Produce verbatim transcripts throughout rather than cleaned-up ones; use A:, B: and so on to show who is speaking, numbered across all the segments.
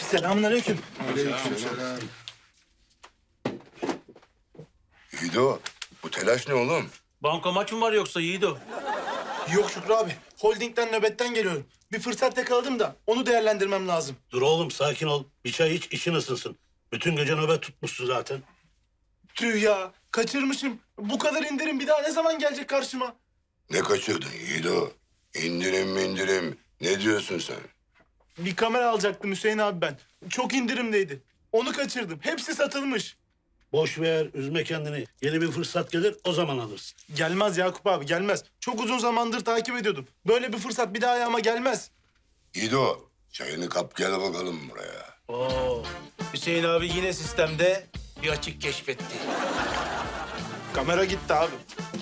A: Selamünaleyküm.
B: Aleykümselam. Yiğido, bu telaş ne oğlum?
C: Banka maç mı var yoksa Yiğido?
A: Yok Şükrü abi. Holdingden nöbetten geliyorum. Bir fırsat yakaladım da onu değerlendirmem lazım.
D: Dur oğlum sakin ol. Bir çay iç işin ısınsın. Bütün gece nöbet tutmuşsun zaten.
A: Tüh ya. Kaçırmışım. Bu kadar indirim bir daha ne zaman gelecek karşıma?
B: Ne kaçırdın Yiğido? İndirim indirim. Ne diyorsun sen?
A: Bir kamera alacaktım Hüseyin abi ben. Çok indirimdeydi. Onu kaçırdım. Hepsi satılmış.
D: Boş ver, üzme kendini. Yeni bir fırsat gelir, o zaman alırsın.
A: Gelmez Yakup abi gelmez. Çok uzun zamandır takip ediyordum. Böyle bir fırsat bir daha ayağıma gelmez.
B: Yiğido, çayını kap gel bakalım buraya.
C: Oo. Hüseyin abi yine sistemde bir açık keşfetti.
A: Kamera gitti abi.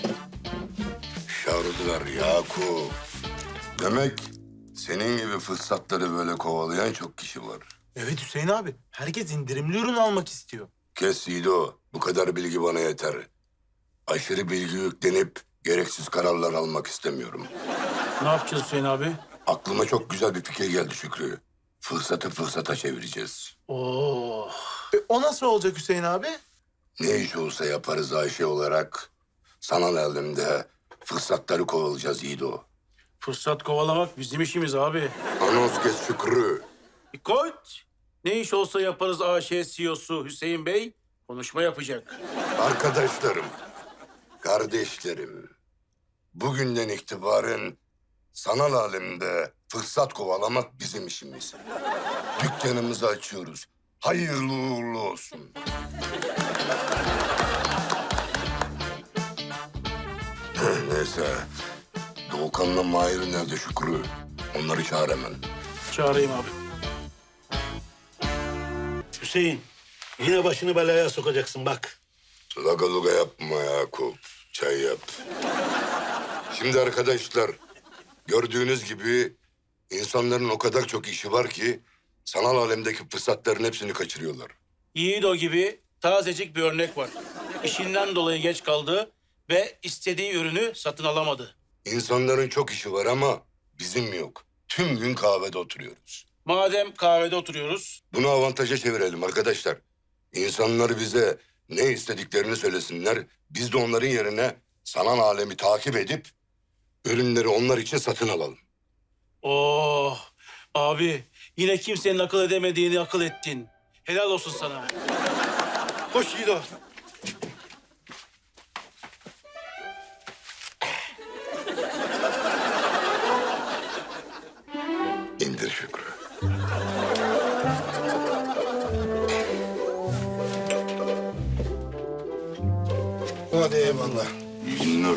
B: Şardılar Yakup. Demek senin gibi fırsatları böyle kovalayan çok kişi var.
A: Evet Hüseyin abi. Herkes indirimli ürün almak istiyor.
B: Kes Yiğido, bu kadar bilgi bana yeter. Aşırı bilgi yüklenip gereksiz kararlar almak istemiyorum.
C: Ne yapacağız Hüseyin abi?
B: Aklıma çok güzel bir fikir geldi Şükrü. Fırsatı fırsata çevireceğiz.
C: Oo.
A: E, o nasıl olacak Hüseyin abi?
B: Ne iş olsa yaparız Ayşe olarak. Sanal elimde fırsatları kovalayacağız Yiğido.
C: Fırsat kovalamak bizim işimiz abi.
B: Anons kes Şükrü.
C: Koç. Ne iş olsa yaparız A Ş C E O'su Hüseyin Bey. Konuşma yapacak.
B: Arkadaşlarım, kardeşlerim. Bugünden itibaren sanal alemde fırsat kovalamak bizim işimiz. Dükkanımızı açıyoruz. Hayırlı uğurlu olsun. Neyse. Doğukan'la Mahir nerede Şükrü? Onları çağır hemen.
C: Çağırayım abi.
D: Hüseyin, yine başını belaya sokacaksın bak.
B: Laga luga yapma Yakup. Çay yap. Şimdi arkadaşlar, gördüğünüz gibi insanların o kadar çok işi var ki sanal alemdeki fırsatların hepsini kaçırıyorlar.
C: Yiğido gibi tazecik bir örnek var. İşinden dolayı geç kaldı ve istediği ürünü satın alamadı.
B: İnsanların çok işi var ama bizim yok. Tüm gün kahvede oturuyoruz.
C: Madem kahvede oturuyoruz,
B: Bunu avantaja çevirelim arkadaşlar. İnsanlar bize ne istediklerini söylesinler. Biz de onların yerine sanal alemi takip edip ürünleri onlar için satın alalım.
C: oh abi yine kimsenin akıl edemediğini akıl ettin. Helal olsun sana. Koş Yiğido.
B: İndir Şükrü.
A: Hadi eyvallah.
B: İndir.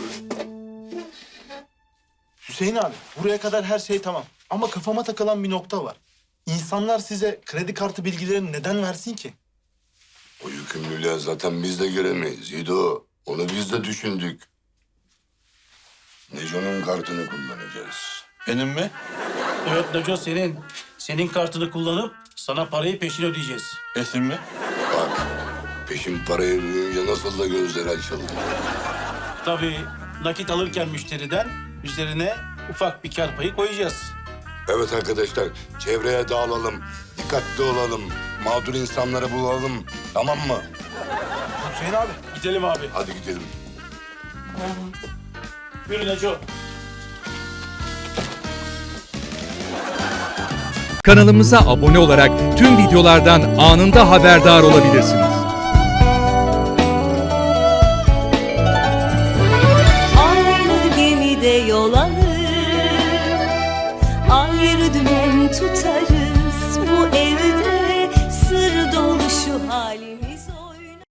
A: Hüseyin abi buraya kadar her şey tamam. Ama kafama takılan bir nokta var. İnsanlar size kredi kartı bilgilerini neden versin ki?
B: O yükümlülüğe zaten biz de giremeyiz Yiğido. Onu biz de düşündük. Neco'nun kartını kullanacağız.
E: Benim mi?
C: Evet Neco senin. Senin kartını kullanıp sana parayı peşin ödeyeceğiz.
E: Esin mi?
B: Bak, peşin parayı duyunca nasıl da gözleri açıldı.
C: Tabii nakit alırken müşteriden üzerine ufak bir kar payı koyacağız.
B: Evet arkadaşlar, çevreye dağılalım, dikkatli olalım, mağdur insanları bulalım, tamam mı?
A: Hüseyin abi.
C: Gidelim abi.
B: Hadi gidelim.
C: Yürü Neco.
F: Kanalımıza abone olarak tüm videolardan anında haberdar olabilirsiniz.
G: Aynı gemide yol alır, ayrı dümen tutarız. Bu evde sır dolu şu halimiz.